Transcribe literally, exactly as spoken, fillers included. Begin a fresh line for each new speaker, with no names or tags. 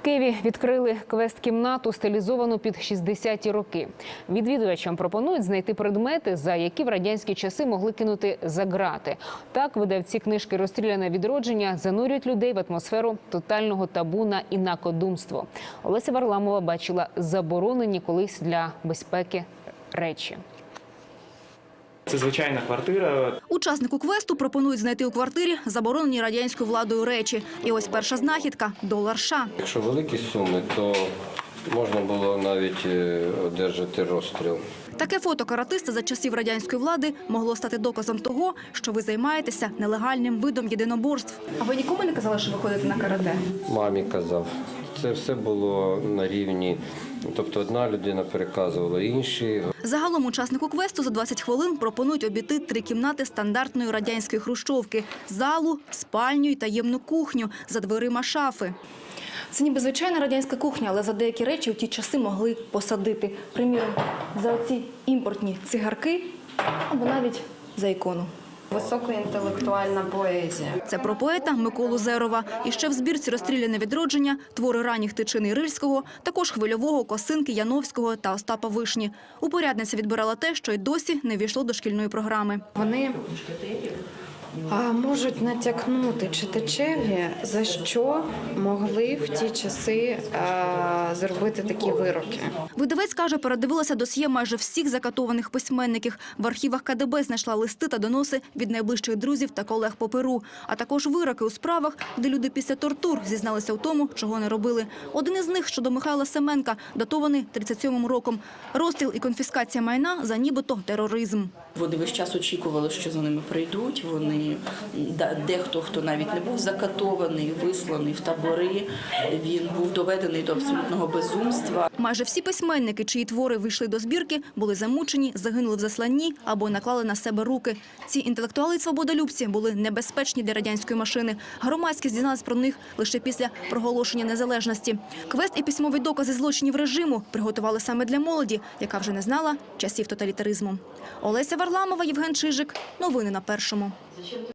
Києві відкрили квест-кімнату, стилізовану під шістдесяті роки. Відвідувачам пропонують знайти предмети, за які в радянські часи могли кинути за ґрати. Так, видавці книжки «Розстріляне відродження» занурюють людей в атмосферу тотального табу на інакодумство. Олеся Варламова бачила заборонені колись для безпеки речі.
Це звичайна квартира.
Учаснику квесту пропонують знайти у квартирі заборонені радянською владою речі. І ось перша знахідка – долар США.
Якщо великі суми, то можна було навіть одержати розстріл.
Таке фото каратиста за часів радянської влади могло стати доказом того, що ви займаєтеся нелегальним видом єдиноборств. А ви нікому не казали, що ви ходите на карате?
Мамі казав. Це все було на рівні, тобто одна людина переказувала іншій.
Загалом учаснику квесту за двадцять хвилин пропонують обійти три кімнати стандартної радянської хрущовки – залу, спальню і таємну кухню, за дверима шафи. Це ніби звичайна радянська кухня, але за деякі речі у ті часи могли посадити. Приміром, за оці імпортні цигарки або навіть за ікону.
Високоінтелектуальна поезія.
Це про поета Миколу Зерова. І ще в збірці «Розстріляне відродження» твори ранніх Тичини Рильського, також Хвильового, Косинки, Яновського та Остапа Вишні. Упорядниця відбирала те, що й досі не ввійшло до шкільної програми.
Вони а, можуть натякнути читачеві, за що могли в ті часи а, зробити такі вироки.
Видавець каже, передивилася досьє майже всіх закатованих письменників. В архівах ка де бе знайшла листи та доноси від найближчих друзів та колег по перу, а також вироки у справах, де люди після тортур зізналися в тому, чого не робили. Один із них щодо Михайла Семенка, датований тридцять сьомим роком. Розстріл і конфіскація майна за нібито тероризм.
Вони весь час очікували, що за ними прийдуть. Вони, дехто, хто навіть не був закатований, висланий в табори, він був доведений до абсолютного безумства.
Майже всі письменники, чиї твори вийшли до збірки, були замучені, загинули в засланні або наклали на себе руки. Ці інтелектуали й свободолюбці були небезпечні для радянської машини. Громадськість дізналась про них лише після проголошення незалежності. Квест і письмові докази злочинів режиму приготували саме для молоді, яка вже не знала часів тоталітаризму. Олеся Варламова, Євген Чижик. Новини на Першому.